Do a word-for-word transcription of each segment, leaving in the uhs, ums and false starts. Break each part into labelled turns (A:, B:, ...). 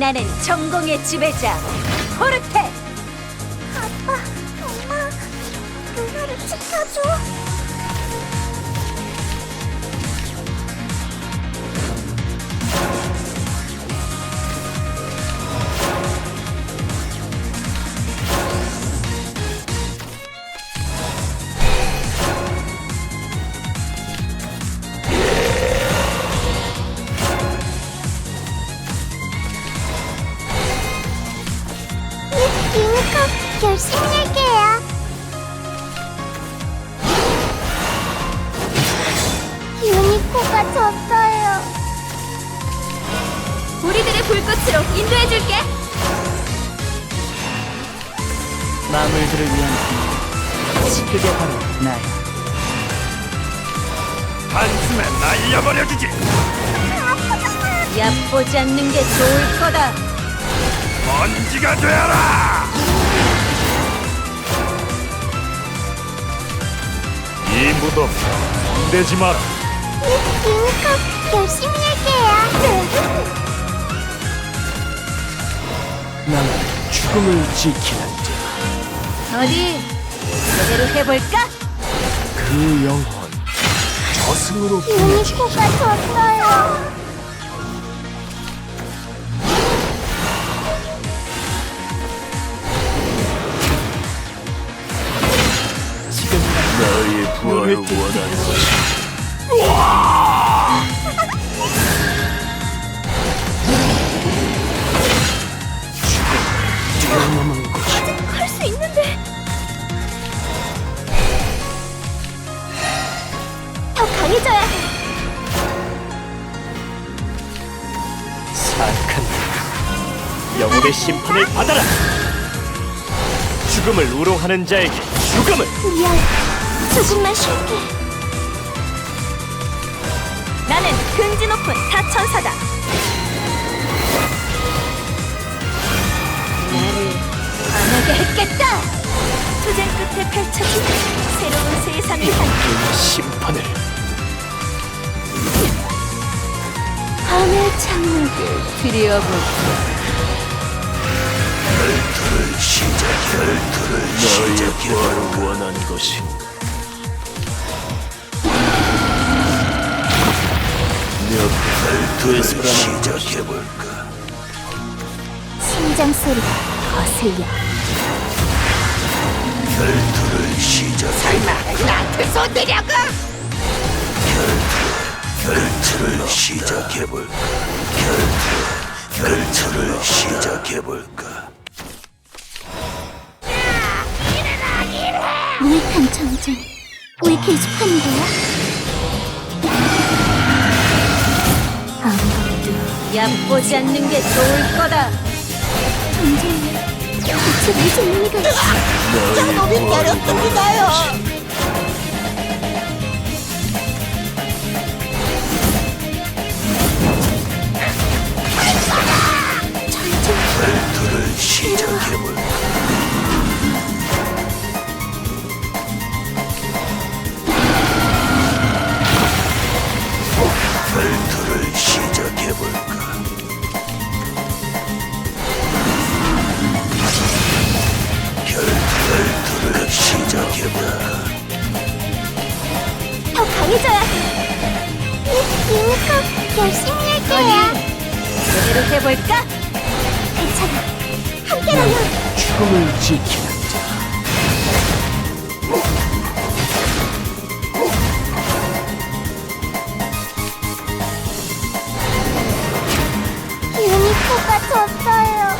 A: 나는 전공의 지배자 포르테.
B: 아빠, 엄마, 누나를 지켜줘. 유니콘 열심히 할게요. 유니콘가 졌어요.
A: 우리들의 불꽃으로 인도해줄게.
C: 마물들을 위한 빛, 그게 바로 나야.
D: 한숨에 날려버려주지.
A: 얕보지 않는 게 좋을 거다.
D: 먼지가 되어라. 이 무덤 손대지 마라.
B: 유니콘 열심히 할게요.
C: 나는 죽음을 지키는 자.
A: 어디 제대로 해볼까?
C: 그 영혼 저승으로 보내지.
B: 유니콘가 졌어요.
C: 지금
D: 너의 부활을 원하는 것이.
C: 뛰어넘은 것이
A: 할 수 있는데.
B: 더 강해져야 해.
C: 사악한 자, 영혼의 심판을 받아라. 죽음을 우롱하는 자에게 죽음을.
B: 미안. 조금만 쉴게.
A: 나는 근지 높은 사천사다. 나를 반하게 했겠다. 투쟁 끝에 펼쳐진 새로운 세상을 향해
C: 그 심판을.
A: 하늘 창문을 들여볼까.
D: 결투를 시작. 결투를 너의 부활을 원하는 것이. 결투를 시작해볼까.
B: 심장 소리가 거슬려.
D: 결투를 시작.
A: 설마 나한테 손대려고?
D: 결투를 시작해볼까. 결투. 결투를 시작해볼까.
B: 무익한 전쟁. 왜 계속하는 거야? 아무것도
A: 얕보지 않는 게 좋을 거다.
B: 전쟁이 대체 무슨 의미가 있어?
D: 너의 부활을
B: 전쟁
D: 결투를 시작해볼까. 결투를 시작해볼까. 결투를 시작해볼까.
B: 더 강해져야 해. 유니콘 열심히 할게요.
A: 제대로 해볼까?
B: 괜찮아. 함께라면
C: 죽음을 지키는 자.
B: 유니콘가 졌어요.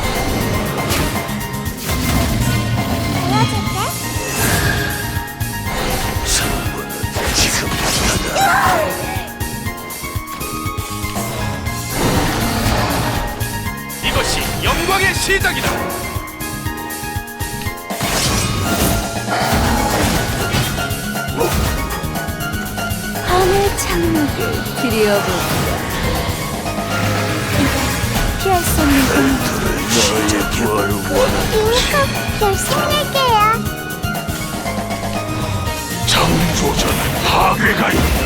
B: 도와줄게.
D: 승부는 지금부터다. 이것이 영광의 시작이다.
A: 하늘 창문을 들여볼까.
B: 피할 수 없는 공간.
D: 너의 부활을 원하는
B: 유니콘 열심히 할게요.
D: 창조자는 파괴가 있다.